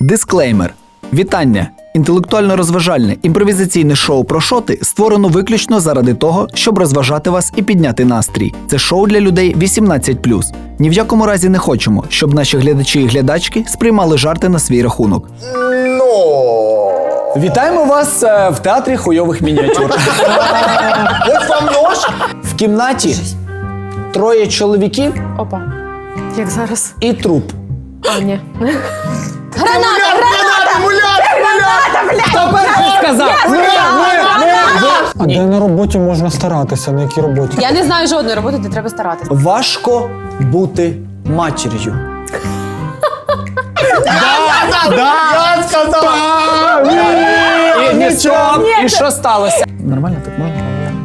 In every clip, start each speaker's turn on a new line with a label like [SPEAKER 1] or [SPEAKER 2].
[SPEAKER 1] Дисклеймер. Вітання! Інтелектуально-розважальне імпровізаційне шоу «Про шоти» створено виключно заради того, щоб розважати вас і підняти настрій. Це шоу для людей 18+. Ні в якому разі не хочемо, щоб наші глядачі і глядачки сприймали жарти на свій рахунок. Вітаємо вас в театрі хуйових мініатюр.
[SPEAKER 2] Ось вам нож.
[SPEAKER 1] В кімнаті троє чоловіків
[SPEAKER 3] Опа. Як зараз?
[SPEAKER 1] і труп.
[SPEAKER 3] А, ні.
[SPEAKER 1] Хто перший сказав?
[SPEAKER 4] А де на роботі можна старатися? На якій роботі?
[SPEAKER 3] Я не знаю жодної роботи, де треба старатися.
[SPEAKER 1] Важко бути матір'ю.
[SPEAKER 2] Я сказав.
[SPEAKER 1] І що сталося? Нормально, так можна?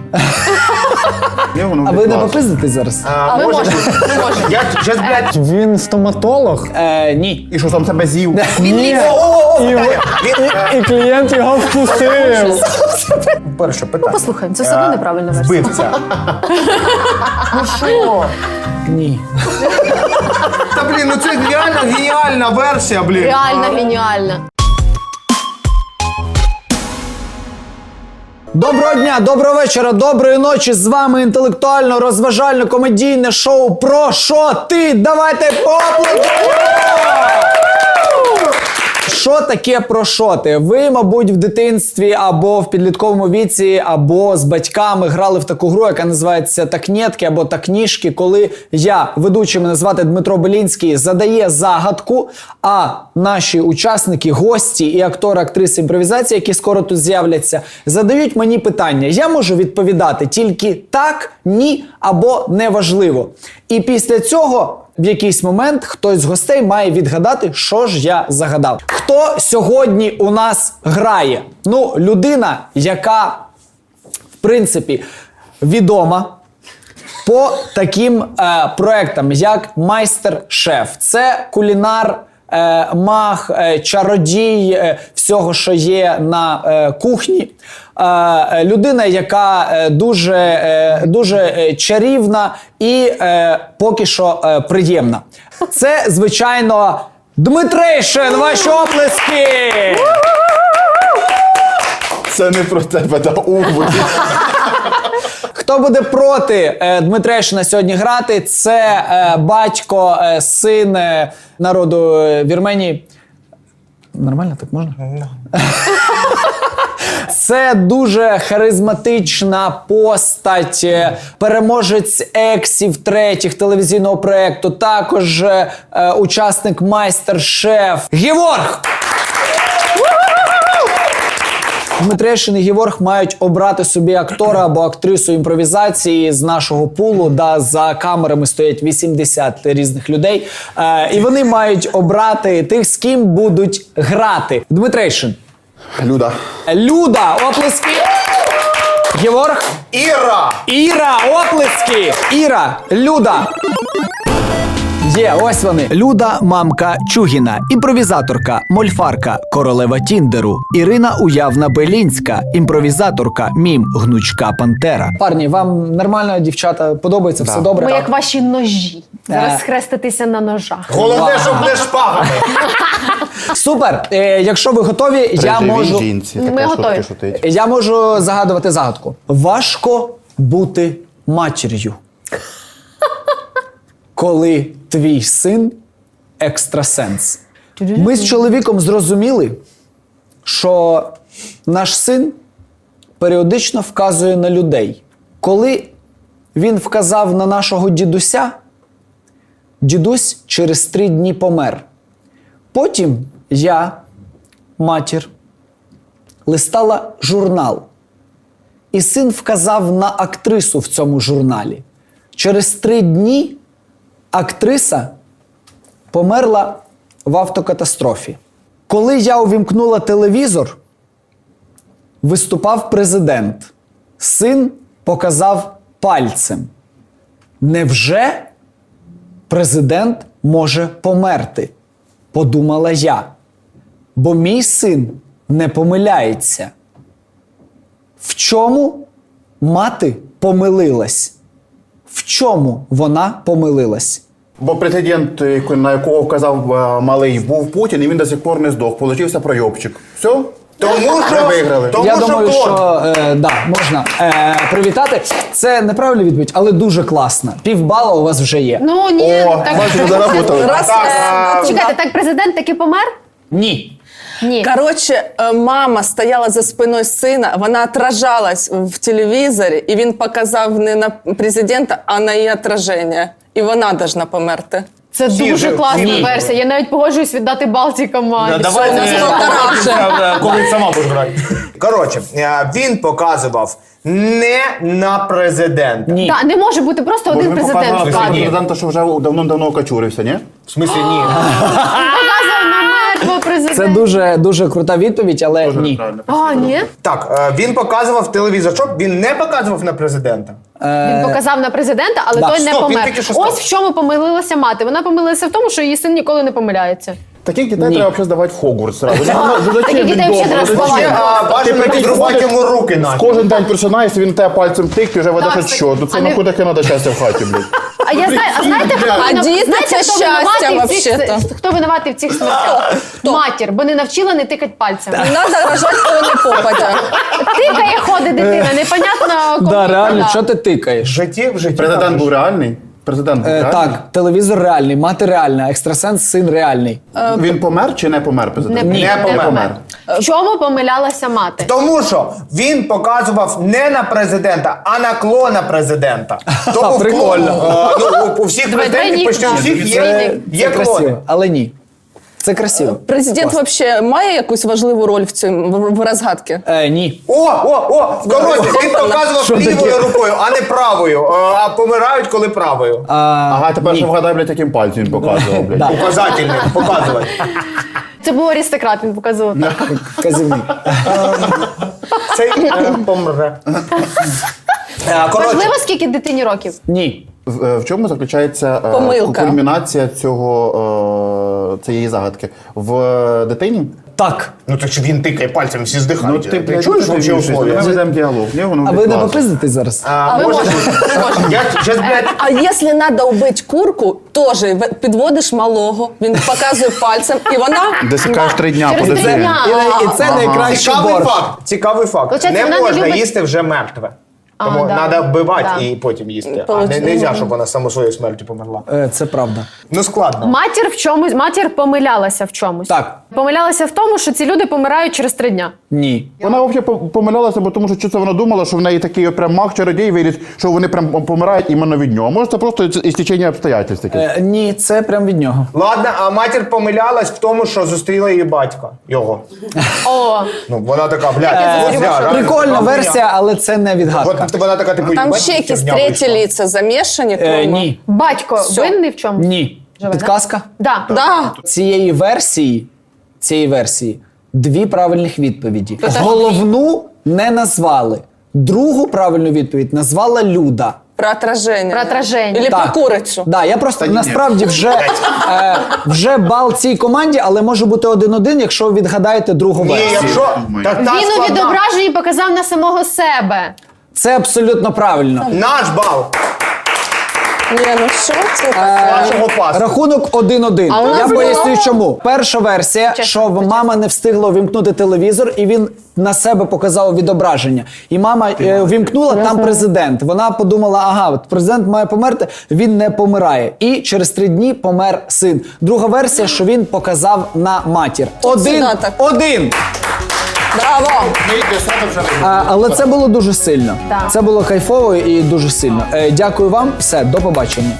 [SPEAKER 1] А ви не попиздитесь зараз?
[SPEAKER 3] Ми можемо.
[SPEAKER 2] Я щас, блядь.
[SPEAKER 4] Він стоматолог,
[SPEAKER 1] Ні.
[SPEAKER 2] І що там себе з'їв?
[SPEAKER 4] і клієнт його вкусив.
[SPEAKER 2] Перше питання.
[SPEAKER 3] Послухаємо, це все одно неправильна версія.
[SPEAKER 2] Вбивця. Ну що?
[SPEAKER 1] Ні.
[SPEAKER 2] Та блін, ну це реально геніальна версія, блін.
[SPEAKER 3] Реально геніальна.
[SPEAKER 1] Доброго дня, доброго вечора, доброї ночі. З вами інтелектуально-розважально-комедійне шоу «Про шоти». Давайте поаплодуємо! Що таке «Про шоти»? Ви, мабуть, в дитинстві або в підлітковому віці, або з батьками грали в таку гру, яка називається «Такнєтки» або «Такніжки», коли я, ведучий, мене звати Дмитро Белінський, задає загадку, а наші учасники, гості і актори, актриси імпровізації, які скоро тут з'являться, задають мені питання. Я можу відповідати тільки так, ні або неважливо. І після цього в якийсь момент хтось з гостей має відгадати, що ж я загадав. Хто сьогодні у нас грає? Ну, людина, яка, в принципі, відома по таким проектам, як «Майстер-шеф». Це кулінар, маг, чародій всього, що є на кухні. Людина, яка дуже чарівна і поки що приємна. Це, звичайно, Дмитрейшин! Ваші оплески!
[SPEAKER 2] Це не про тебе, та уву.
[SPEAKER 1] Хто буде проти Дмитрейшина сьогодні грати, це батько, син народу Вірменії. Нормально так можна? Це дуже харизматична постать, переможець ексів третіх телевізійного проєкту, також учасник «Майстер-шеф» Геворг! Дмитрейшин і Геворг мають обрати собі актора або актрису імпровізації з нашого пулу, за камерами стоять 80 різних людей, і вони мають обрати тих, з ким будуть грати. Дмитрейшин.
[SPEAKER 2] Люда.
[SPEAKER 1] Люда, оплески. Геворг.
[SPEAKER 2] Іра.
[SPEAKER 1] Іра, оплески. Іра, Люда. Є, ось вони. Люда – мамка Чугіна, імпровізаторка, мольфарка, королева Тіндеру. Ірина Уявна Белінська, імпровізаторка, мім, гнучка пантера. Парні, вам нормально, дівчата, подобається? Все добре?
[SPEAKER 3] Ми як ваші ножі. Зараз схреститися на ножах.
[SPEAKER 2] Головне, щоб не шпагами.
[SPEAKER 1] Супер! Якщо ви готові, я можу...
[SPEAKER 3] Ми готові.
[SPEAKER 1] Я можу загадувати загадку. Важко бути матір'ю, коли твій син екстрасенс. Ми з чоловіком зрозуміли, що наш син періодично вказує на людей. Коли він вказав на нашого дідуся, дідусь через 3 дні помер. Потім я, матір, листала журнал. І син вказав на актрису в цьому журналі. Через 3 дні актриса померла в автокатастрофі. Коли я увімкнула телевізор, виступав президент. Син показав пальцем. Невже президент може померти? Подумала я. Бо мій син не помиляється. В чому мати помилилась? В чому вона помилилась?
[SPEAKER 5] Бо президент, на якого вказав малий, був Путін, і він до сих пор не здох. Получився пройобчик. Все?
[SPEAKER 2] Тому
[SPEAKER 5] Ви
[SPEAKER 2] що,
[SPEAKER 5] виграли.
[SPEAKER 2] тому
[SPEAKER 1] Я
[SPEAKER 2] що
[SPEAKER 1] думаю,
[SPEAKER 2] клон.
[SPEAKER 1] що да, можна привітати. Це неправильна відповідь, але дуже класна. Півбала у вас вже є.
[SPEAKER 3] Ну ні,
[SPEAKER 5] О,
[SPEAKER 3] так
[SPEAKER 5] бачите, заработали.
[SPEAKER 3] чекайте, так президент таки помер?
[SPEAKER 1] Ні.
[SPEAKER 3] Ні.
[SPEAKER 6] Коротше, мама стояла за спиною сина, вона отражалась в телевізорі, і він показав не на президента, а на її отраження. І вона должна померти.
[SPEAKER 3] Це дуже
[SPEAKER 2] же-
[SPEAKER 3] класна
[SPEAKER 2] ні.
[SPEAKER 3] версія. Я навіть погоджуюсь віддати бал цій команді.
[SPEAKER 2] Давайте,
[SPEAKER 5] Коли сама будеш грати.
[SPEAKER 2] коротше, він показував не на президента.
[SPEAKER 1] Ні.
[SPEAKER 3] Так, не може бути просто один президент в кадрі.
[SPEAKER 5] Президента, що вже давно окачурився, ні?
[SPEAKER 2] В смислі, ні.
[SPEAKER 3] Показує на мертвого президента.
[SPEAKER 1] Це дуже крута відповідь, але ні.
[SPEAKER 3] А, ні?
[SPEAKER 2] Так, він показував телевізорчок, він не показував на президента.
[SPEAKER 3] Він показав на президента, але
[SPEAKER 1] да.
[SPEAKER 3] той не
[SPEAKER 2] Стоп, він
[SPEAKER 3] помер.
[SPEAKER 2] тільки що сказав.
[SPEAKER 3] Ось в чому помилилася мати. Вона помилилася в тому, що її син ніколи не помиляється.
[SPEAKER 5] Таких дітей треба взагалі здавати в Хогвартс зразу.
[SPEAKER 3] Таких дітей взагалі треба сховати.
[SPEAKER 2] Бажано підрубати йому руки наче.
[SPEAKER 5] Кожен день просинаєшся, він тебе пальцем тикне, вже ведеш
[SPEAKER 3] Так,
[SPEAKER 5] що. Ну
[SPEAKER 3] а
[SPEAKER 5] це
[SPEAKER 3] не-
[SPEAKER 5] нахуй таке треба щастя в хаті, блядь.
[SPEAKER 3] А я знаю, а знаєте, хто
[SPEAKER 6] А діти це щастя, вообще-то.
[SPEAKER 3] хто винуватий в цих смертях? Матір, бо не навчила не тикати пальцем.
[SPEAKER 6] Не треба рожати, коли не попадя.
[SPEAKER 3] Тикає, ходить дитина, непонятно кому.
[SPEAKER 1] Да, реально,
[SPEAKER 3] куди.
[SPEAKER 1] що ти тикаєш?
[SPEAKER 2] В житті.
[SPEAKER 5] Президент був реальний? Президент був реальний?
[SPEAKER 1] Так, телевізор реальний, мати реальна, екстрасенс, син реальний.
[SPEAKER 5] Він помер чи не помер президент?
[SPEAKER 3] Ні,
[SPEAKER 2] Не помер.
[SPEAKER 3] В чому помилялася мати?
[SPEAKER 2] Тому що він показував не на президента, а на клона президента. Тому в
[SPEAKER 1] Прикольно.
[SPEAKER 2] клону, у всіх
[SPEAKER 3] Давай,
[SPEAKER 2] президентів
[SPEAKER 3] давай,
[SPEAKER 2] почти у
[SPEAKER 3] ні,
[SPEAKER 2] всіх
[SPEAKER 1] Це
[SPEAKER 2] є клони.
[SPEAKER 1] красиво, але ні. Це красиво.
[SPEAKER 6] Президент взагалі має якусь важливу роль в цьому в розгадці?
[SPEAKER 1] Ні.
[SPEAKER 2] Коротше, він показував
[SPEAKER 1] Що таке?
[SPEAKER 2] лівою рукою, а не правою. А помирають, коли правою.
[SPEAKER 5] Ага, тепер ще вгадай, блядь, яким пальцем він показував, блядь.
[SPEAKER 2] Указательний, показувати.
[SPEAKER 3] Це був аристократ, він показував так.
[SPEAKER 1] Казівник.
[SPEAKER 2] Цей помре. Коротше,
[SPEAKER 3] Важливо, скільки дитині років?
[SPEAKER 1] Ні.
[SPEAKER 5] В чому заключається
[SPEAKER 6] Помилка.
[SPEAKER 5] кульмінація цієї загадки? В дитині?
[SPEAKER 1] Так.
[SPEAKER 2] ну то що він тикає пальцем, всі здихають. Ти
[SPEAKER 5] блядь,
[SPEAKER 2] чуєш
[SPEAKER 5] ти
[SPEAKER 2] вообще
[SPEAKER 5] вивчиш,
[SPEAKER 2] условия?
[SPEAKER 5] Ми ведемо діалог. Ні, воно
[SPEAKER 1] А
[SPEAKER 5] буде
[SPEAKER 1] ви не
[SPEAKER 5] класно.
[SPEAKER 1] попиздитесь зараз?
[SPEAKER 3] Ви можете.
[SPEAKER 2] Я щас, блядь,
[SPEAKER 6] А якщо треба вбити курку, теж підводиш малого, він показує пальцем, і вона...
[SPEAKER 5] Досікаєш 3 дня
[SPEAKER 3] Через
[SPEAKER 5] по
[SPEAKER 3] 3
[SPEAKER 5] дитині.
[SPEAKER 3] дня.
[SPEAKER 1] І це найкращий
[SPEAKER 2] цікавий
[SPEAKER 1] борщ.
[SPEAKER 2] факт. Цікавий факт.
[SPEAKER 3] Получається,
[SPEAKER 2] Не
[SPEAKER 3] вона не
[SPEAKER 2] можна
[SPEAKER 3] любить-
[SPEAKER 2] їсти вже мертве. Тому
[SPEAKER 3] да.
[SPEAKER 2] треба вбивати
[SPEAKER 3] Да.
[SPEAKER 2] і потім їсти. А не
[SPEAKER 6] Получається.
[SPEAKER 2] можна, щоб вона само своєю смертю померла.
[SPEAKER 1] Це правда.
[SPEAKER 2] Ну складно.
[SPEAKER 3] Матір помилялася в чомусь.
[SPEAKER 1] Так.
[SPEAKER 3] Помилялася в тому, що ці люди помирають через 3 дня.
[SPEAKER 1] Ні.
[SPEAKER 5] Вона взагалі помилялася, бо тому що це вона думала, що в неї такий прям маг-чародій виріс, що вони прям помирають іменно від нього. Може, це просто істечення обстоятельств таке.
[SPEAKER 1] Ні, це прям від нього.
[SPEAKER 2] Ладно, а матір помилялась в тому, що зустріла її батька. Його.
[SPEAKER 3] О,
[SPEAKER 2] Ну, вона така, блядь,
[SPEAKER 3] зрозуміла,
[SPEAKER 2] ось я,
[SPEAKER 3] що-
[SPEAKER 2] реально,
[SPEAKER 1] Прикольна
[SPEAKER 2] така
[SPEAKER 1] версія, але це не відгадка.
[SPEAKER 2] хуйня. От вона така, типу,
[SPEAKER 6] Там
[SPEAKER 2] «Їбать,
[SPEAKER 6] ще якісь
[SPEAKER 2] херня
[SPEAKER 6] треті
[SPEAKER 2] вийшла».
[SPEAKER 6] лиця замішані. кроме-
[SPEAKER 1] Ні.
[SPEAKER 3] батько
[SPEAKER 6] Всьо.
[SPEAKER 3] винний в чому?
[SPEAKER 1] Ні.
[SPEAKER 3] Живе,
[SPEAKER 1] Підказка?
[SPEAKER 3] Да.
[SPEAKER 6] Да.
[SPEAKER 1] Цієї версії 2 правильних відповіді. Головну не назвали. Другу правильну відповідь назвала Люда.
[SPEAKER 6] Про отраження.
[SPEAKER 3] Про отраження.
[SPEAKER 6] Или
[SPEAKER 1] Так.
[SPEAKER 6] про курицю.
[SPEAKER 1] Да, я просто насправді вже бал цій команді, але може бути 1-1, якщо ви відгадаєте другу
[SPEAKER 2] Ні,
[SPEAKER 1] версію.
[SPEAKER 2] якщо... Так, та
[SPEAKER 3] Він у
[SPEAKER 2] складна.
[SPEAKER 3] відображенні показав на самого себе.
[SPEAKER 1] Це абсолютно правильно.
[SPEAKER 2] Наш бал.
[SPEAKER 6] Ні, ну що це?
[SPEAKER 2] Вашого пасу.
[SPEAKER 1] Рахунок 1-1.
[SPEAKER 6] А у нас
[SPEAKER 1] Я
[SPEAKER 6] було-
[SPEAKER 1] поясню чому. Перша версія, що мама не встигла увімкнути телевізор, і він на себе показав відображення. І мама увімкнула, там президент. Вона подумала, ага, от президент має померти, він не помирає. І через 3 дні помер син. Друга версія, що він показав на матір.
[SPEAKER 6] сюди так.
[SPEAKER 1] 1-1.
[SPEAKER 6] Браво!
[SPEAKER 1] Але це було дуже сильно.
[SPEAKER 3] Так.
[SPEAKER 1] Це було кайфово і дуже сильно. Дякую вам. Все, до побачення.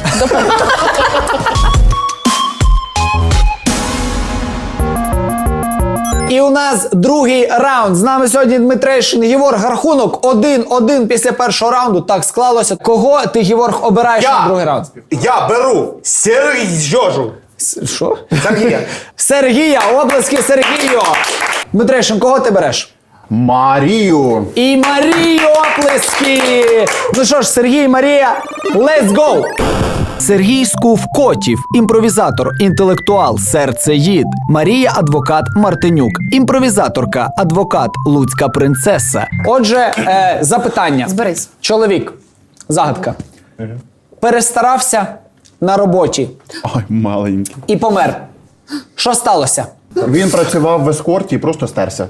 [SPEAKER 1] І у нас другий раунд. З нами сьогодні Дмитрейшин Геворг. Рахунок 1-1 після першого раунду. Так склалося. Кого ти, Геворг, обираєш на другий раунд?
[SPEAKER 2] Я беру Сергію.
[SPEAKER 1] Що?
[SPEAKER 2] Сергія.
[SPEAKER 1] Сергія, обласки Сергію. Дмитрейшин, кого ти береш?
[SPEAKER 5] Марію!
[SPEAKER 1] І Марію оплески! Ну що ж, Сергій, Марія, let's go! Сергій Скув-Котів, імпровізатор, інтелектуал, серцеїд. Марія адвокат Мартинюк, імпровізаторка, адвокат, луцька принцеса. Отже, запитання.
[SPEAKER 3] Зберись.
[SPEAKER 1] Чоловік, загадка. Перестарався, на роботі
[SPEAKER 5] Ой, маленький.
[SPEAKER 1] і помер. Що сталося?
[SPEAKER 5] Він працював в ескорті і просто стерся.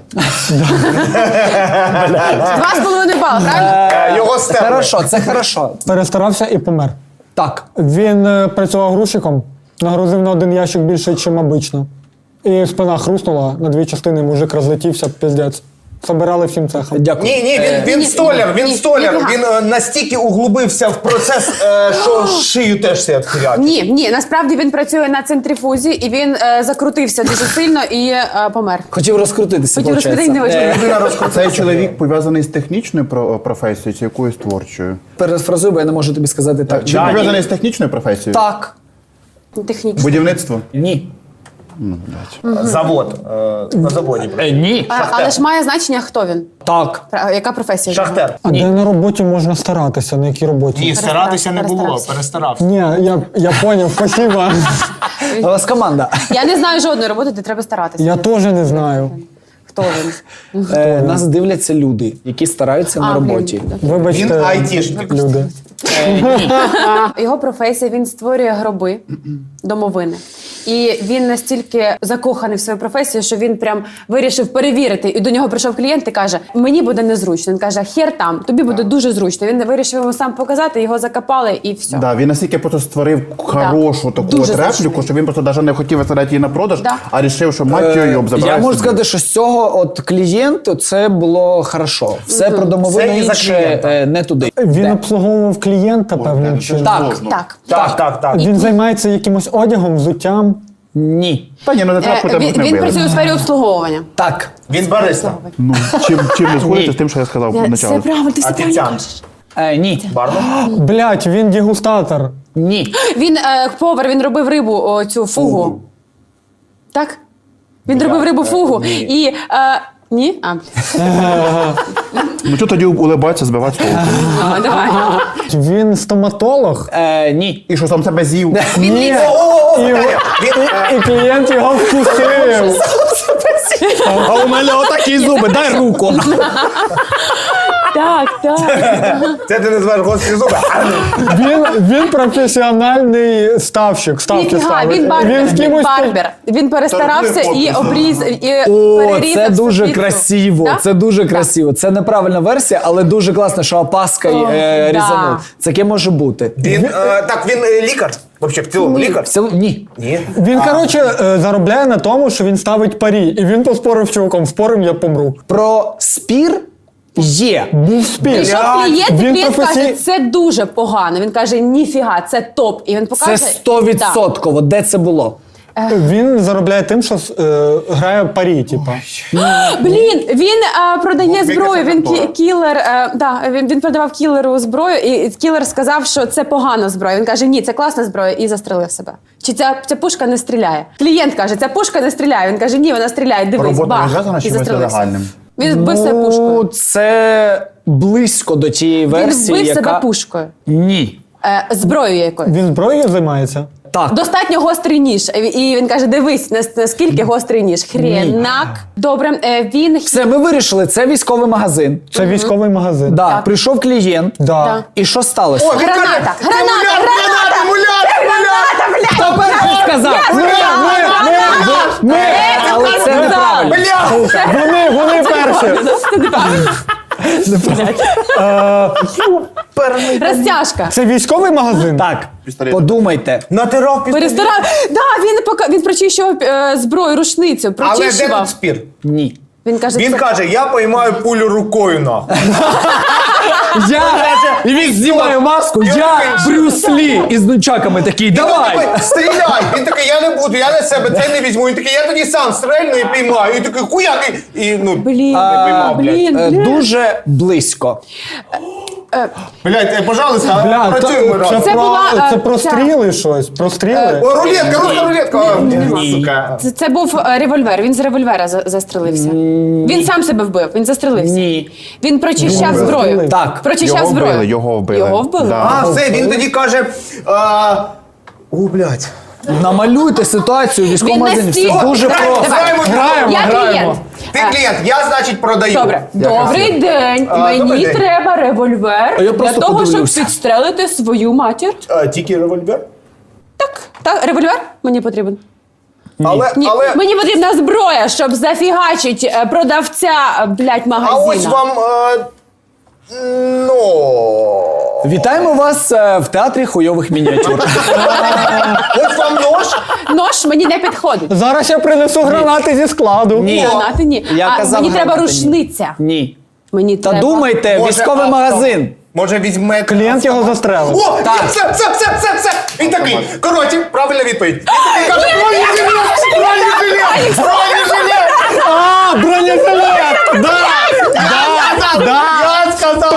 [SPEAKER 3] 2,5 бали, правильно?
[SPEAKER 2] Його стерли.
[SPEAKER 1] Хорошо, це хорошо.
[SPEAKER 4] Перестарався і помер.
[SPEAKER 1] Так.
[SPEAKER 4] Він працював грузчиком, нагрузив на один ящик більше, ніж обично. І спина хрустнула на 2 частини, мужик розлетівся, піздець. Собирали всім цехом.
[SPEAKER 1] Дякую.
[SPEAKER 2] Ні, він столяр, він
[SPEAKER 3] ні,
[SPEAKER 2] столяр.
[SPEAKER 3] ніфіга.
[SPEAKER 2] Він настільки углубився в процес, що шию теж себе відхилять.
[SPEAKER 3] Ні, насправді він працює на центрифузі і він закрутився дуже сильно і помер.
[SPEAKER 1] Хотів розкрутитися,
[SPEAKER 3] Хотів розкрутити, не вийшло.
[SPEAKER 5] Цей чоловік пов'язаний з технічною професією чи якоюсь творчою?
[SPEAKER 1] Перефразуй, бо я не можу тобі сказати так.
[SPEAKER 5] Чи пов'язаний з технічною професією?
[SPEAKER 1] Так.
[SPEAKER 3] Технічно.
[SPEAKER 5] Будівництво?
[SPEAKER 1] Ні.
[SPEAKER 2] Завод. На заводі.
[SPEAKER 1] Ні.
[SPEAKER 3] Але ж має значення, хто він.
[SPEAKER 1] Так.
[SPEAKER 3] Яка професія?
[SPEAKER 2] Шахтер.
[SPEAKER 4] А де на роботі можна старатися? На якій роботі?
[SPEAKER 2] Ні, старатися не було,
[SPEAKER 3] Перестарався.
[SPEAKER 2] перестарався.
[SPEAKER 4] Ні, я поняв, спасибо.
[SPEAKER 1] У вас команда.
[SPEAKER 3] Я не знаю жодної роботи, де треба старатися.
[SPEAKER 4] Я теж не знаю.
[SPEAKER 3] Хто він?
[SPEAKER 1] Нас дивляться люди, які стараються на роботі.
[SPEAKER 4] Вибачте,
[SPEAKER 2] Він айтішник.
[SPEAKER 4] люди.
[SPEAKER 3] Його професія, він створює гроби, домовини. І він настільки закоханий в свою професію, що він прям вирішив перевірити. І до нього прийшов клієнт і каже: мені буде незручно. Він каже: хер там, тобі буде дуже зручно. Він вирішив йому сам показати, його закопали і все.
[SPEAKER 5] Да, він настільки просто створив хорошу таку
[SPEAKER 3] Дуже
[SPEAKER 5] от репліку,
[SPEAKER 3] зручний.
[SPEAKER 5] що він просто навіть не хотів виставляти її на продаж,
[SPEAKER 3] Да.
[SPEAKER 5] а вирішив, що мать його йоб забирає.
[SPEAKER 1] Я можу
[SPEAKER 5] собі.
[SPEAKER 1] сказати, що з цього от клієнту це було хорошо. Все про домовину
[SPEAKER 2] Це і за
[SPEAKER 1] інше
[SPEAKER 2] клієнта.
[SPEAKER 1] не туди.
[SPEAKER 4] Він
[SPEAKER 1] Де?
[SPEAKER 4] обслуговував клієнта певним чином.
[SPEAKER 1] Так.
[SPEAKER 3] Так.
[SPEAKER 4] Він займається якимось одягом, взуттям.
[SPEAKER 1] Ні.
[SPEAKER 5] Та ні, ну не треба тебе не
[SPEAKER 3] Він
[SPEAKER 5] били.
[SPEAKER 3] працює у сфері обслуговування.
[SPEAKER 1] Так.
[SPEAKER 2] Він бариста.
[SPEAKER 5] Ну, чим не сходиться з тим, що я сказав
[SPEAKER 3] Це
[SPEAKER 5] спочатку.
[SPEAKER 3] правильно, ти все правильно
[SPEAKER 2] Офіціант.
[SPEAKER 3] кажеш.
[SPEAKER 1] Ні.
[SPEAKER 2] Бармен.
[SPEAKER 4] Блять, він дегустатор.
[SPEAKER 1] Ні.
[SPEAKER 3] Він повар, він робив рибу, цю фугу. Так? Він робив рибу фугу. І. Ні? А,
[SPEAKER 5] Ну що тоді улибатися, збивати з толку?
[SPEAKER 3] давай.
[SPEAKER 4] Він стоматолог.
[SPEAKER 1] Ні.
[SPEAKER 5] І що сам себе з'їв?
[SPEAKER 4] Ні. І клієнт його вкусив.
[SPEAKER 1] А у мене отакі зуби, дай руку.
[SPEAKER 3] Так.
[SPEAKER 2] Це ти називаєш гострі зуби.
[SPEAKER 4] Він професіональний ставщик. Ставки
[SPEAKER 3] Ніфіга,
[SPEAKER 4] ставить.
[SPEAKER 3] він барбер.
[SPEAKER 4] з кимось
[SPEAKER 3] Барбер. Він перестарався і обріз, і
[SPEAKER 1] О,
[SPEAKER 3] перерізав
[SPEAKER 1] це дуже
[SPEAKER 3] собі цю.
[SPEAKER 1] красиво.
[SPEAKER 3] Да?
[SPEAKER 1] Це дуже красиво. Це неправильна версія, але дуже класно, що опаскою
[SPEAKER 3] да.
[SPEAKER 1] різанув. Таке може бути.
[SPEAKER 2] Він лікар. Взагалі, в цілому лікар.
[SPEAKER 1] Ні.
[SPEAKER 2] Ні.
[SPEAKER 4] Він, коротше, заробляє на тому, що він ставить парі. І він поспорив з чуваком. Спорим, я помру.
[SPEAKER 1] Про спір є.
[SPEAKER 4] Був спір.
[SPEAKER 3] Прийшов клієнт, і
[SPEAKER 4] Він
[SPEAKER 3] клієнт
[SPEAKER 4] професій-
[SPEAKER 3] каже, це дуже погано. Він каже, ніфіга, це топ. І він
[SPEAKER 1] Це
[SPEAKER 3] покаже.
[SPEAKER 1] 100%. Де це було?
[SPEAKER 4] Він заробляє тим, що грає парі, типа.
[SPEAKER 3] Блін, він продає
[SPEAKER 2] Бог,
[SPEAKER 3] зброю.
[SPEAKER 2] яка
[SPEAKER 3] Він
[SPEAKER 2] контора.
[SPEAKER 3] кілер. Він продавав кілеру зброю, і кілер сказав, що це погана зброя. Він каже, ні, це класна зброя, і застрелив себе. Чи ця пушка не стріляє? Клієнт каже, ця пушка не стріляє. Він каже, ні, вона стріляє. Дивись,
[SPEAKER 5] Робота не
[SPEAKER 3] бах,
[SPEAKER 5] зв'язана з
[SPEAKER 3] і
[SPEAKER 5] чимось
[SPEAKER 3] застрелився.
[SPEAKER 5] нелегальним?
[SPEAKER 3] Він вбив себе пушкою.
[SPEAKER 1] Це близько до тієї
[SPEAKER 3] Він
[SPEAKER 1] версії,
[SPEAKER 3] вбив
[SPEAKER 1] яка...
[SPEAKER 3] себе пушкою.
[SPEAKER 1] Ні.
[SPEAKER 3] Зброєю якою.
[SPEAKER 4] Він зброєю займається?
[SPEAKER 1] Так.
[SPEAKER 3] Достатньо гострий ніж. І він каже, дивись, наскільки гострий ніж. Хренак. Добре, він...
[SPEAKER 1] Все, ми вирішили, це військовий магазин.
[SPEAKER 4] Це військовий магазин.
[SPEAKER 1] Да.
[SPEAKER 3] Так.
[SPEAKER 1] Прийшов клієнт.
[SPEAKER 4] Да.
[SPEAKER 3] Так.
[SPEAKER 1] І що сталося?
[SPEAKER 2] О, він каже,
[SPEAKER 3] Граната!
[SPEAKER 1] Хто перший сказав?
[SPEAKER 4] Ми!
[SPEAKER 1] Але це неправильно.
[SPEAKER 4] Вони перші!
[SPEAKER 3] Розтяжка.
[SPEAKER 4] Це військовий магазин?
[SPEAKER 1] Так,
[SPEAKER 5] Пістолет.
[SPEAKER 1] подумайте.
[SPEAKER 2] натирав пістолет.
[SPEAKER 3] Перестарав. Да, він прочищував зброю, рушницю,
[SPEAKER 2] Але де
[SPEAKER 3] прочищував.
[SPEAKER 2] тут спір?
[SPEAKER 1] Ні.
[SPEAKER 3] Він каже,
[SPEAKER 2] Він
[SPEAKER 3] це...
[SPEAKER 2] каже, я поймаю пулю рукою нахуй.
[SPEAKER 1] І він знімає маску, я Брюс Лі із нунчаками такий,
[SPEAKER 2] Він
[SPEAKER 1] давай!
[SPEAKER 2] такий, стріляй! Він такий, я не буду, я на себе це не візьму. Він такий, я тоді сам стрельну і піймаю. І такий, хуяк, і ну,
[SPEAKER 3] Блін,
[SPEAKER 2] не піймав, блядь.
[SPEAKER 3] блін.
[SPEAKER 1] Дуже близько.
[SPEAKER 2] Блядь, пожалуйста,
[SPEAKER 4] Бля,
[SPEAKER 2] працюємо разом.
[SPEAKER 3] Це була,
[SPEAKER 4] це про
[SPEAKER 3] ця-
[SPEAKER 4] стріли щось? Про стріли?
[SPEAKER 2] О, рулетка, руська рулетка. О, сука.
[SPEAKER 3] Це був револьвер. Він з револьвера застрелився. Він сам себе вбив. Він застрелився.
[SPEAKER 1] Ні.
[SPEAKER 3] Він прочищав зброю.
[SPEAKER 4] застрелив.
[SPEAKER 1] Так.
[SPEAKER 3] Прочищав
[SPEAKER 5] Його
[SPEAKER 3] зброю.
[SPEAKER 5] вбили, його вбили.
[SPEAKER 3] Його вбили.
[SPEAKER 5] Да.
[SPEAKER 2] А, все, він тоді каже, о, блядь.
[SPEAKER 1] Намалюйте ситуацію в військовому
[SPEAKER 3] Він
[SPEAKER 1] магазині. Все
[SPEAKER 3] настільки-
[SPEAKER 1] дуже
[SPEAKER 3] Давай,
[SPEAKER 1] просто.
[SPEAKER 3] давай.
[SPEAKER 2] Граємо,
[SPEAKER 3] Я клієнт.
[SPEAKER 2] Ти клієнт, я, значить, продаю.
[SPEAKER 3] Добре. Добрий день.
[SPEAKER 2] добрий
[SPEAKER 3] Мені
[SPEAKER 2] день.
[SPEAKER 3] треба револьвер
[SPEAKER 1] А я
[SPEAKER 3] для
[SPEAKER 1] просто
[SPEAKER 3] того, щоб
[SPEAKER 1] подивлюся.
[SPEAKER 3] підстрелити свою матір.
[SPEAKER 2] Тільки револьвер?
[SPEAKER 3] Так, револьвер мені потрібен.
[SPEAKER 2] Але,
[SPEAKER 3] Ні, мені потрібна зброя, щоб зафігачить продавця, блядь,
[SPEAKER 2] а
[SPEAKER 3] магазину.
[SPEAKER 2] ось вам, ну...
[SPEAKER 1] Вітаємо вас в театрі хуйових мініатюр.
[SPEAKER 2] Ось вам нож.
[SPEAKER 3] Нож мені не підходить.
[SPEAKER 4] Зараз я принесу гранати зі складу.
[SPEAKER 1] Ні.
[SPEAKER 3] Гранати ні.
[SPEAKER 1] Я казав,
[SPEAKER 3] мені треба
[SPEAKER 1] гранати ні.
[SPEAKER 3] рушниця.
[SPEAKER 1] Ні.
[SPEAKER 3] Мені
[SPEAKER 1] Та
[SPEAKER 3] треба.
[SPEAKER 1] думайте,
[SPEAKER 2] Може,
[SPEAKER 1] військовий
[SPEAKER 2] авто.
[SPEAKER 1] магазин.
[SPEAKER 2] Може візьме...
[SPEAKER 4] Клієнт його застрелив.
[SPEAKER 2] О,
[SPEAKER 1] Так.
[SPEAKER 2] все. Він такий, коротше, правильна відповідь. Він такий каже, бронежилет!
[SPEAKER 4] А, бронежилет! Да!
[SPEAKER 2] Я сказав!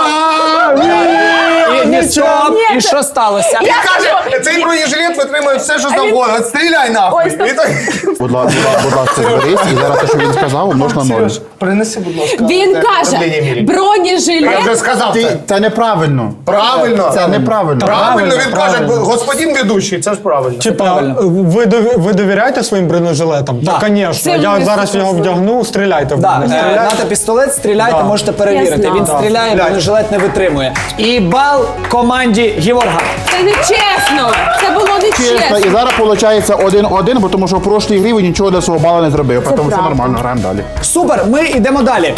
[SPEAKER 1] І стоп, і що сталося?
[SPEAKER 2] Він каже, цей бронежилет витримує все, що завгодно. От стріляй нахуй.
[SPEAKER 3] Ой, стоп.
[SPEAKER 2] І так-
[SPEAKER 5] Будь ласка, зберись, і зараз те, що він сказав, можна ноль.
[SPEAKER 2] Принеси, будь ласка.
[SPEAKER 3] Він
[SPEAKER 2] це
[SPEAKER 3] каже,
[SPEAKER 2] давлення міряй. Я
[SPEAKER 3] бронежилет.
[SPEAKER 2] вже сказав це.
[SPEAKER 5] Це неправильно.
[SPEAKER 2] Правильно.
[SPEAKER 5] Це неправильно.
[SPEAKER 2] Правильно, він каже, господин ведучий, це ж правильно.
[SPEAKER 4] Типа, ви довіряєте своїм бронежилетам?
[SPEAKER 1] Да.
[SPEAKER 4] Та, звісно.
[SPEAKER 3] Це
[SPEAKER 4] Я
[SPEAKER 3] ми
[SPEAKER 4] зараз його вдягну, стріляйте в
[SPEAKER 1] Да,
[SPEAKER 4] мене. Стріляйте.
[SPEAKER 1] нате пістолет, стріляйте,
[SPEAKER 4] Да.
[SPEAKER 1] можете перевірити.
[SPEAKER 3] Я
[SPEAKER 1] Він
[SPEAKER 3] знала.
[SPEAKER 1] стріляє, бронежилет не витримує. І бал команді Геворга.
[SPEAKER 3] Це не чесно. Це було не
[SPEAKER 5] Чесно,
[SPEAKER 3] чесно.
[SPEAKER 5] і зараз виходить 1-1, бо тому що в прошлій грі ви нічого для свого бала не зробив. Тому все
[SPEAKER 3] правда.
[SPEAKER 5] нормально, граємо далі.
[SPEAKER 1] Супер, ми йдемо далі.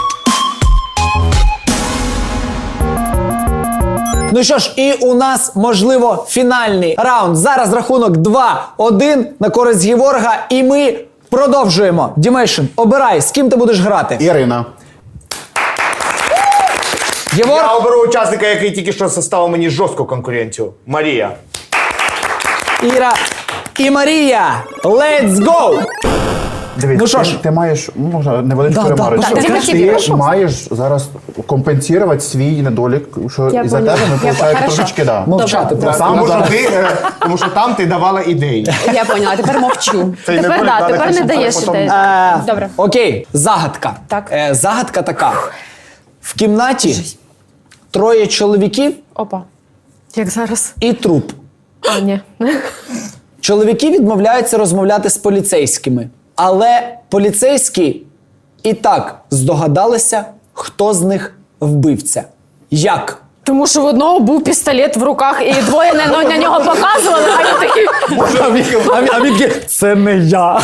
[SPEAKER 1] Ну що ж, і у нас, можливо, фінальний раунд. Зараз рахунок 2-1 на користь Геворга, і ми продовжуємо. Дімейшн, обирай, з ким ти будеш грати.
[SPEAKER 5] Ірина.
[SPEAKER 1] Геворг,
[SPEAKER 2] Я оберу учасника, який тільки що составив мені жорстку конкуренцію. Марія.
[SPEAKER 1] Іра і Марія. Let's go!
[SPEAKER 5] Дивись,
[SPEAKER 1] Ну що ж.
[SPEAKER 5] ти маєш, можна невеличку
[SPEAKER 1] Да,
[SPEAKER 5] ремарку.
[SPEAKER 1] да,
[SPEAKER 3] да.
[SPEAKER 5] Ти маєш зараз компенсувати свій недолік, що
[SPEAKER 3] Я
[SPEAKER 5] із-за
[SPEAKER 3] поняла.
[SPEAKER 5] тебе ми
[SPEAKER 3] Я
[SPEAKER 5] виходить
[SPEAKER 3] хорошо.
[SPEAKER 5] трошечки, да.
[SPEAKER 1] Мовчати просто.
[SPEAKER 2] Тому що там ти давала ідеї.
[SPEAKER 3] Я поняла, тепер мовчу.
[SPEAKER 2] Це не
[SPEAKER 6] Тепер,
[SPEAKER 2] буде,
[SPEAKER 6] да,
[SPEAKER 2] надо
[SPEAKER 6] тепер не
[SPEAKER 2] кричати,
[SPEAKER 6] даєш
[SPEAKER 2] потім-
[SPEAKER 6] ідеї.
[SPEAKER 3] Добре.
[SPEAKER 1] Окей, загадка.
[SPEAKER 3] Так.
[SPEAKER 1] Загадка така. В кімнаті 3 чоловіків
[SPEAKER 6] Опа. Як зараз?
[SPEAKER 1] і труп.
[SPEAKER 6] А, ні.
[SPEAKER 1] Чоловіки відмовляються розмовляти з поліцейськими, але поліцейські і так здогадалися, хто з них вбивця. Як?
[SPEAKER 6] Тому що в одного був пістолет в руках, і двоє на нього показували, а він такий.
[SPEAKER 1] А він такий, це не я.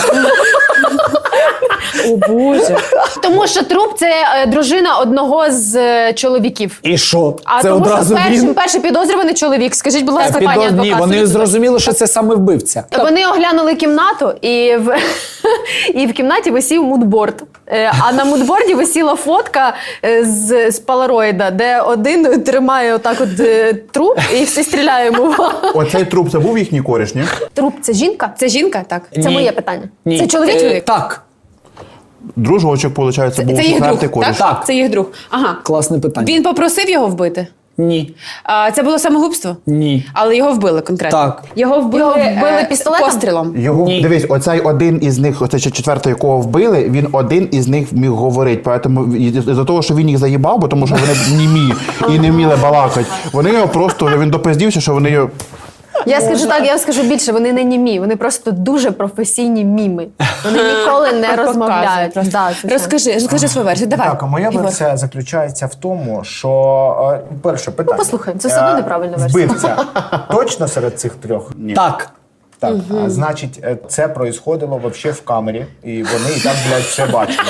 [SPEAKER 6] О, Боже. Тому що труп це дружина одного з чоловіків.
[SPEAKER 1] І що?
[SPEAKER 6] А
[SPEAKER 1] Це
[SPEAKER 6] тому
[SPEAKER 1] одразу
[SPEAKER 6] що
[SPEAKER 1] він?
[SPEAKER 6] перший підозрюваний чоловік. Скажіть, будь ласка, пані адвокат.
[SPEAKER 1] Ні, вони
[SPEAKER 6] скажіть,
[SPEAKER 1] зрозуміли, що це саме вбивця.
[SPEAKER 6] Вони оглянули кімнату, і в кімнаті висів мудборд. А на мудборді висіла фотка з полароїда, де один тримає отак от труп і всі стріляє йому.
[SPEAKER 5] Оцей труп це був їхній кореш, ні?
[SPEAKER 6] Труп це жінка?
[SPEAKER 3] Це жінка? Так.
[SPEAKER 6] Це
[SPEAKER 1] Ні.
[SPEAKER 6] моє питання.
[SPEAKER 1] Ні.
[SPEAKER 6] Це чоловік?
[SPEAKER 1] Так,
[SPEAKER 5] Дружочок, виходить, був
[SPEAKER 3] Це їх
[SPEAKER 5] четвертий
[SPEAKER 3] друг,
[SPEAKER 5] кореш.
[SPEAKER 3] так?
[SPEAKER 1] Так.
[SPEAKER 3] Це їх друг. Ага.
[SPEAKER 1] класне питання.
[SPEAKER 3] Він попросив його вбити?
[SPEAKER 1] Ні.
[SPEAKER 3] Це було самогубство?
[SPEAKER 1] Ні.
[SPEAKER 3] Але його вбили конкретно?
[SPEAKER 1] Так.
[SPEAKER 3] Його вбили,
[SPEAKER 6] Його вбили пістолетом?
[SPEAKER 3] пострілом?
[SPEAKER 5] Його,
[SPEAKER 1] Ні.
[SPEAKER 5] дивись, оцей один із них, оцей четвертий, якого вбили, він один із них міг говорити. Поэтому за того, що він їх заїбав, бо тому що вони німі і не вміли балакати, вони його просто, він допиздівся, що вони його...
[SPEAKER 6] Я скажу так, я скажу більше, вони не німі, вони просто дуже професійні міми. Вони ніколи не розмовляють.
[SPEAKER 3] Показують
[SPEAKER 6] Да, це все.
[SPEAKER 3] Розкажи свою версію. Давай.
[SPEAKER 2] Так, а моя
[SPEAKER 3] Ігор.
[SPEAKER 2] версія заключається в тому, що перше питання.
[SPEAKER 6] послухаємо, це все одно неправильна версія.
[SPEAKER 2] Вбивця точно серед цих трьох?
[SPEAKER 1] Так.
[SPEAKER 2] Так, значить, це происходило вообще в камері, і вони і так, блядь, все бачили.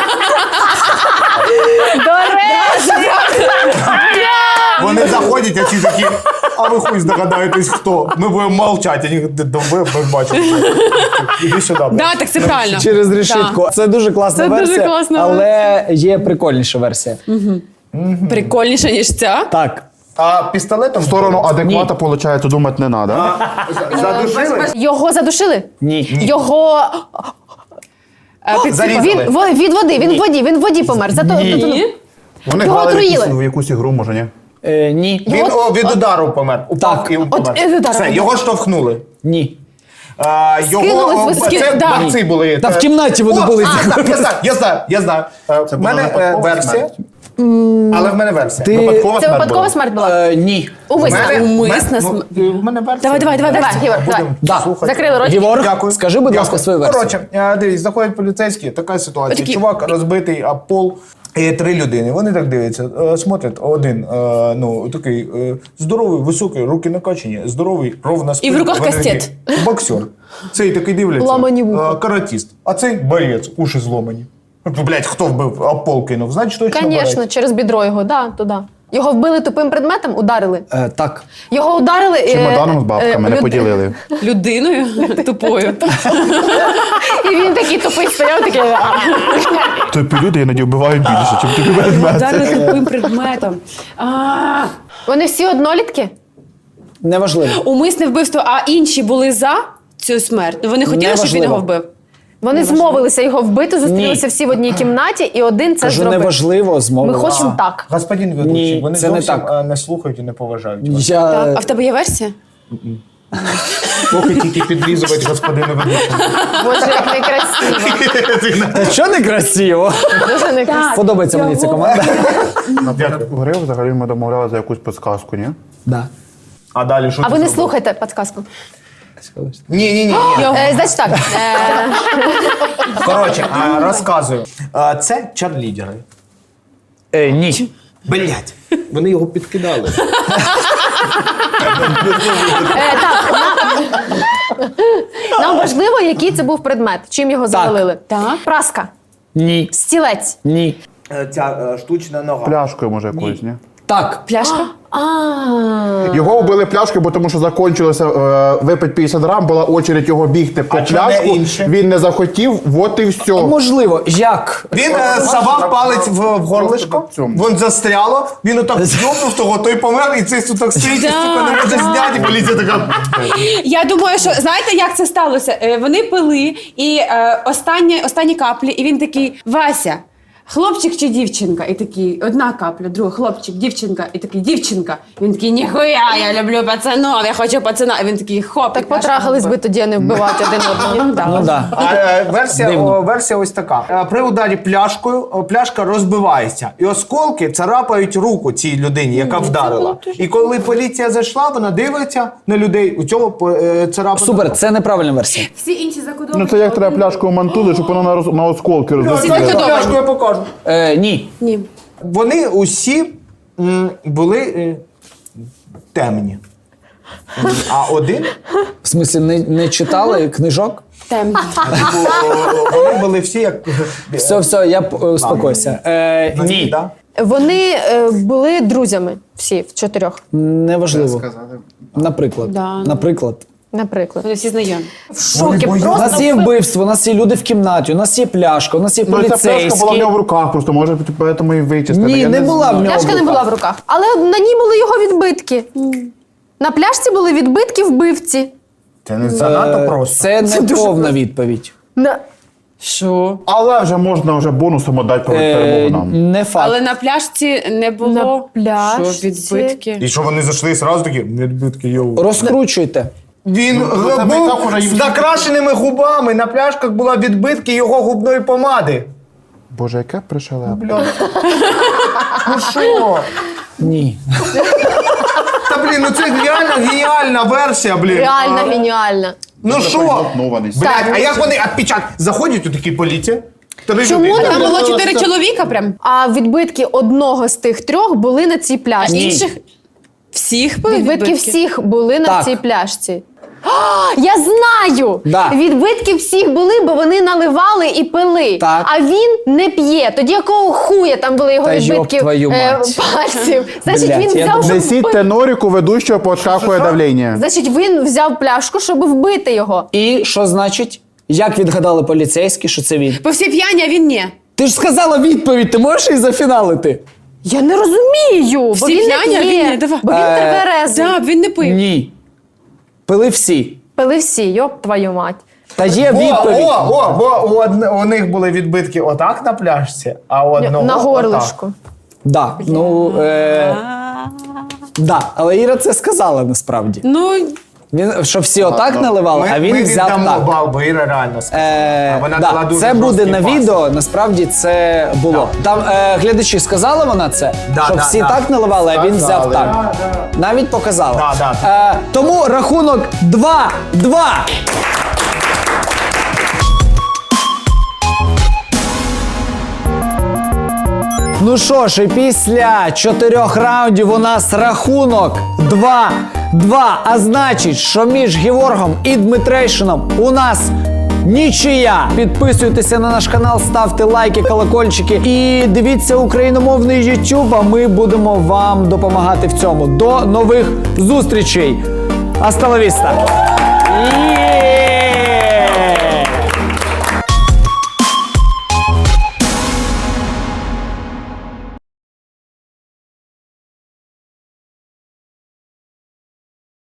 [SPEAKER 6] До речі!
[SPEAKER 2] Вони заходять, а ці такі, а ви хуй здогадаєтесь, хто? Ми будемо мовчати, а вони ми бачимо. Іди сюди. блядь.
[SPEAKER 3] Да, так це правильно.
[SPEAKER 1] Через решітку. Це дуже класна
[SPEAKER 3] Це дуже
[SPEAKER 1] версія,
[SPEAKER 3] класна
[SPEAKER 1] але є прикольніша версія.
[SPEAKER 3] Прикольніше, ніж ця.
[SPEAKER 1] Так.
[SPEAKER 2] А пістолетом
[SPEAKER 5] В сторону адеквата, виходить, думати не треба.
[SPEAKER 2] задушили?
[SPEAKER 6] Його задушили?
[SPEAKER 1] Ні.
[SPEAKER 6] Його...
[SPEAKER 2] Зарізали.
[SPEAKER 6] Від води, він в воді помер.
[SPEAKER 3] Ні.
[SPEAKER 5] Вони
[SPEAKER 6] Його
[SPEAKER 5] грали в
[SPEAKER 6] отруїли.
[SPEAKER 5] в якусь ігру, може, ні?
[SPEAKER 1] Ні.
[SPEAKER 2] Він від удару помер. Упав
[SPEAKER 1] Так.
[SPEAKER 2] і помер.
[SPEAKER 6] від удару.
[SPEAKER 2] Все, його штовхнули.
[SPEAKER 1] Ні.
[SPEAKER 6] Скинулись,
[SPEAKER 2] Це
[SPEAKER 3] да.
[SPEAKER 2] борці були.
[SPEAKER 1] Та в кімнаті вони
[SPEAKER 2] О,
[SPEAKER 1] були.
[SPEAKER 2] Я знаю. В
[SPEAKER 5] була
[SPEAKER 2] мене
[SPEAKER 5] випадкова
[SPEAKER 2] версія.
[SPEAKER 5] смерть.
[SPEAKER 2] Але в мене версія.
[SPEAKER 1] Ти-
[SPEAKER 5] Випадкова
[SPEAKER 6] Це
[SPEAKER 5] смерть
[SPEAKER 6] випадкова
[SPEAKER 5] була.
[SPEAKER 6] смерть була?
[SPEAKER 1] Ні.
[SPEAKER 6] Умисна.
[SPEAKER 3] Умисна
[SPEAKER 2] В мене версія.
[SPEAKER 3] Давай.
[SPEAKER 6] Давай, Ігор, давай.
[SPEAKER 1] Да.
[SPEAKER 6] Закрили рот.
[SPEAKER 1] Геворг,
[SPEAKER 2] Дякую.
[SPEAKER 1] скажи, будь ласка,
[SPEAKER 2] Дякую.
[SPEAKER 1] свою версію.
[SPEAKER 2] Коротше, дивись, заходять поліцейські, така ситуація.
[SPEAKER 3] Отакі.
[SPEAKER 2] Чувак розбитий об пол, І 3 людини, вони так дивляться, смотрять, один, такий здоровий, високий, руки накачані, здоровий, ровна спина.
[SPEAKER 3] І в руках
[SPEAKER 2] Вони
[SPEAKER 3] кастет.
[SPEAKER 2] такі, боксер. Цей такий дивляться,
[SPEAKER 6] Ламані вуха.
[SPEAKER 2] каратіст. А цей борець, уші зломані. Блять, хто вбив, а пол кинув, значить точно
[SPEAKER 6] Звісно,
[SPEAKER 2] борець.
[SPEAKER 6] через бідро його, туди. Його вбили тупим предметом, ударили.
[SPEAKER 1] Так.
[SPEAKER 6] Його ударили.
[SPEAKER 5] Чемоданом з бабками не поділили.
[SPEAKER 3] Людиною тупою.
[SPEAKER 6] І він такий тупий стояв, такий.
[SPEAKER 5] Тупі люди іноді вбивають більше, чим тобі предмети.
[SPEAKER 3] Ударили тупим предметом.
[SPEAKER 6] Вони всі однолітки?
[SPEAKER 1] Неважливо.
[SPEAKER 3] Умисне вбивство, а інші були за цю смерть. Вони хотіли, щоб він
[SPEAKER 1] Неважливо.
[SPEAKER 3] його вбив.
[SPEAKER 6] Вони змовилися його вбити, зустрілися всі в одній кімнаті, і один це
[SPEAKER 1] Кажу,
[SPEAKER 6] зробив.
[SPEAKER 1] неважливо, змови.
[SPEAKER 6] Ми хочемо так.
[SPEAKER 2] Господин ведучий,
[SPEAKER 1] Ні,
[SPEAKER 2] вони
[SPEAKER 1] це не
[SPEAKER 2] зовсім
[SPEAKER 1] так.
[SPEAKER 2] не слухають і не поважають вас.
[SPEAKER 1] Я...
[SPEAKER 3] А в тебе є версія?
[SPEAKER 2] Поки тільки підрізувати господину ведучому.
[SPEAKER 6] Боже, як некрасиво.
[SPEAKER 1] Та що не красиво?
[SPEAKER 6] Дуже некрасиво.
[SPEAKER 1] Подобається мені ця команда.
[SPEAKER 5] Гри взагалі ми домовляли за якусь підсказку, ні?
[SPEAKER 1] Да.
[SPEAKER 2] А далі що
[SPEAKER 6] А
[SPEAKER 2] ти
[SPEAKER 6] ви не
[SPEAKER 2] зробив?
[SPEAKER 6] слухайте підказку.
[SPEAKER 2] Ні.
[SPEAKER 6] Значить так.
[SPEAKER 2] Коротше, розказую. Це чарлідери.
[SPEAKER 1] Ні.
[SPEAKER 2] Блять, вони його підкидали.
[SPEAKER 6] Нам важливо, який це був предмет, чим його завалили.
[SPEAKER 3] Так.
[SPEAKER 6] Праска,
[SPEAKER 1] Ні.
[SPEAKER 6] стілець,
[SPEAKER 1] Ні.
[SPEAKER 2] Ця штучна нога.
[SPEAKER 5] Пляшкою, може, якоюсь, ні?
[SPEAKER 1] Так.
[SPEAKER 3] Пляшка?
[SPEAKER 5] Його вбили пляшкою, бо тому що закончилося випить 50 грам, була очередь його бігти по
[SPEAKER 2] А чому не
[SPEAKER 5] пляшку.
[SPEAKER 2] інше?
[SPEAKER 5] Він не захотів, от і все.
[SPEAKER 1] Можливо, як?
[SPEAKER 2] Він совав палець в горлишко, він застряло, він отак зйобнув того, той помер, і цей так стоїть, і сука, не може зняти, і поліція така.
[SPEAKER 3] Я думаю, що знаєте, як це сталося? Вони пили, і останні каплі, і він такий: Вася, хлопчик чи дівчинка? І такий, одна капля, друга, хлопчик, дівчинка, і такий, дівчинка. Він такий, ніхуя, я люблю пацанов, я хочу пацана. І він такий, хоп.
[SPEAKER 6] так потрахались би тоді, а не вбивати один одного.
[SPEAKER 1] Ну да.
[SPEAKER 2] Версія ось така. При ударі пляшкою пляшка розбивається. І осколки царапають руку цій людині, яка вдарила. І коли поліція зайшла, вона дивиться на людей, у цього царапина.
[SPEAKER 1] Супер, це неправильна версія.
[SPEAKER 3] Всі інші закодовані.
[SPEAKER 5] Ну це як треба пляшкою мантули, щоб воно на осколки
[SPEAKER 2] Дайте
[SPEAKER 5] розлетілося.
[SPEAKER 2] пляшку, я покажу.
[SPEAKER 1] Ні.
[SPEAKER 3] Ні.
[SPEAKER 2] Вони усі були темні. А один
[SPEAKER 1] В смислі, не читали книжок?
[SPEAKER 3] Темні.
[SPEAKER 2] вони були всі як
[SPEAKER 1] Все, я успокойся. Ні.
[SPEAKER 2] Да?
[SPEAKER 6] Вони були друзями всі в 4,
[SPEAKER 1] Неважливо. Наприклад.
[SPEAKER 3] Да.
[SPEAKER 1] Наприклад.
[SPEAKER 6] наприклад.
[SPEAKER 3] Вони всі знайомі.
[SPEAKER 6] В шокі.
[SPEAKER 1] У
[SPEAKER 6] Просто
[SPEAKER 1] нас є вбивство, у нас є люди в кімнаті, у нас є пляшка, у нас є
[SPEAKER 5] Ну, ця пляшка була в
[SPEAKER 1] поліцейські.
[SPEAKER 5] нього в руках, просто може тому і вичистили.
[SPEAKER 1] Ні,
[SPEAKER 5] Я
[SPEAKER 1] не була в нього.
[SPEAKER 6] пляшка не
[SPEAKER 1] в
[SPEAKER 6] була
[SPEAKER 1] руках.
[SPEAKER 6] в руках. Але на ній були його відбитки. На пляшці були відбитки вбивці.
[SPEAKER 2] Це не занадто просто.
[SPEAKER 1] Це не повна відповідь.
[SPEAKER 3] Що?
[SPEAKER 5] Але вже можна бонусом віддати перемогу нам.
[SPEAKER 1] Не факт.
[SPEAKER 3] Але на пляшці не було.
[SPEAKER 6] На пляшці.
[SPEAKER 3] Що, відбитки?
[SPEAKER 2] І що вони зайшли зразу такі, відбитки, йоу.
[SPEAKER 1] Розкручуйте.
[SPEAKER 2] Він
[SPEAKER 5] тебе і так уже
[SPEAKER 2] був
[SPEAKER 5] їм
[SPEAKER 2] з накрашеними губами, на пляшках була відбитки його губної помади.
[SPEAKER 5] Боже, яке пришелепе.
[SPEAKER 2] Бля. Ну що?
[SPEAKER 1] Ні.
[SPEAKER 2] Та блін, ну це реально геніальна версія, блін.
[SPEAKER 6] Реально геніально.
[SPEAKER 2] Ну що?
[SPEAKER 5] Заготнований.
[SPEAKER 2] Блядь, а як вони відпечатки? Заходять у такі поліція.
[SPEAKER 6] Чому
[SPEAKER 2] людини.
[SPEAKER 3] Там було 4 чоловіка прям.
[SPEAKER 6] А відбитки одного з тих 3 були на цій пляшці.
[SPEAKER 1] Ні.
[SPEAKER 3] Інших всіх були
[SPEAKER 6] Відбитки всіх були на
[SPEAKER 1] Так.
[SPEAKER 6] цій пляшці. А, я знаю!
[SPEAKER 1] Да.
[SPEAKER 6] Відбитки всіх були, бо вони наливали і пили.
[SPEAKER 1] Так.
[SPEAKER 6] А він не п'є. Тоді якого хуя там були його
[SPEAKER 1] Та йоб
[SPEAKER 6] відбитки
[SPEAKER 1] твою мать.
[SPEAKER 6] пальців? Значить,
[SPEAKER 1] Блядь,
[SPEAKER 6] він
[SPEAKER 1] я
[SPEAKER 6] взяв, щоб
[SPEAKER 5] Несіть
[SPEAKER 6] вбити.
[SPEAKER 5] тенорику ведучого підскакує давлення.
[SPEAKER 6] Значить, він взяв пляшку, щоб вбити його.
[SPEAKER 1] І що значить? Як відгадали поліцейські, що це він?
[SPEAKER 3] Бо всі п'яні, а він ні.
[SPEAKER 1] Ти ж сказала відповідь, ти можеш її зафіналити?
[SPEAKER 6] Я не розумію, бо
[SPEAKER 3] Всі
[SPEAKER 6] він
[SPEAKER 3] п'яні,
[SPEAKER 6] не
[SPEAKER 3] а він
[SPEAKER 6] п'є.
[SPEAKER 3] ні. Давай.
[SPEAKER 6] Бо він тверезий.
[SPEAKER 3] Так, він не пив.
[SPEAKER 1] Ні. Пили всі.
[SPEAKER 6] Пили всі, йоп твою мать.
[SPEAKER 1] Та є відповідь.
[SPEAKER 2] Бо у них були відбитки отак на пляшці, а у одного
[SPEAKER 6] На
[SPEAKER 2] отак.
[SPEAKER 6] горлишку.
[SPEAKER 1] Да. Ну, да. Але Іра це сказала насправді.
[SPEAKER 3] Ну,
[SPEAKER 1] Він, що всі отак наливали, а він
[SPEAKER 2] ми
[SPEAKER 1] взяв
[SPEAKER 2] віддамо
[SPEAKER 1] так.
[SPEAKER 2] бал, бо Іра реально сказала. Вона дала
[SPEAKER 1] Да,
[SPEAKER 2] дуже
[SPEAKER 1] це буде
[SPEAKER 2] жорсткий
[SPEAKER 1] на
[SPEAKER 2] пас.
[SPEAKER 1] відео, насправді це було. Там глядачі сказали вона це,
[SPEAKER 2] Да,
[SPEAKER 1] що
[SPEAKER 2] да,
[SPEAKER 1] всі
[SPEAKER 2] да.
[SPEAKER 1] так наливали, а він взяв
[SPEAKER 2] Сказали.
[SPEAKER 1] так. Навіть показала.
[SPEAKER 2] Да.
[SPEAKER 1] Тому рахунок 2-2. Ну що ж, і після 4 раундів у нас рахунок 2-2. А значить, що між Геворгом і Дмитрейшином у нас нічия. Підписуйтеся на наш канал, ставте лайки, колокольчики і дивіться україномовний YouTube, а ми будемо вам допомагати в цьому. До нових зустрічей. Hasta la vista.